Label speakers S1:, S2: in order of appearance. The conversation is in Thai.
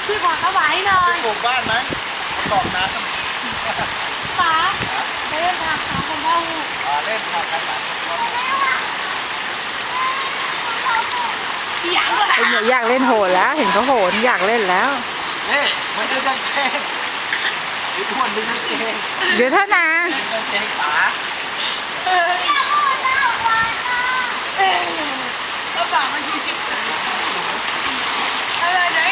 S1: พี่ขอถวายหน่อย
S2: ปลูกบ้านไหมตอกน้ำ
S1: ป๋าไปเล่นทางขาของพ่อลูก
S2: เล่นทางกันหลัง
S1: อยากก็
S3: ไอ้เนี่ยอยากเล่นโหนแล้ว เห็นเขาโหนอยากเล่นแล้ว
S2: นี่มันดึงกางเกงไอ้อ้วนดึงกางเกง
S3: เดี๋ยวเท่านะ
S2: ดึงกางเกงป๋า
S1: แล้วป๋ามัน20 อะไรไหน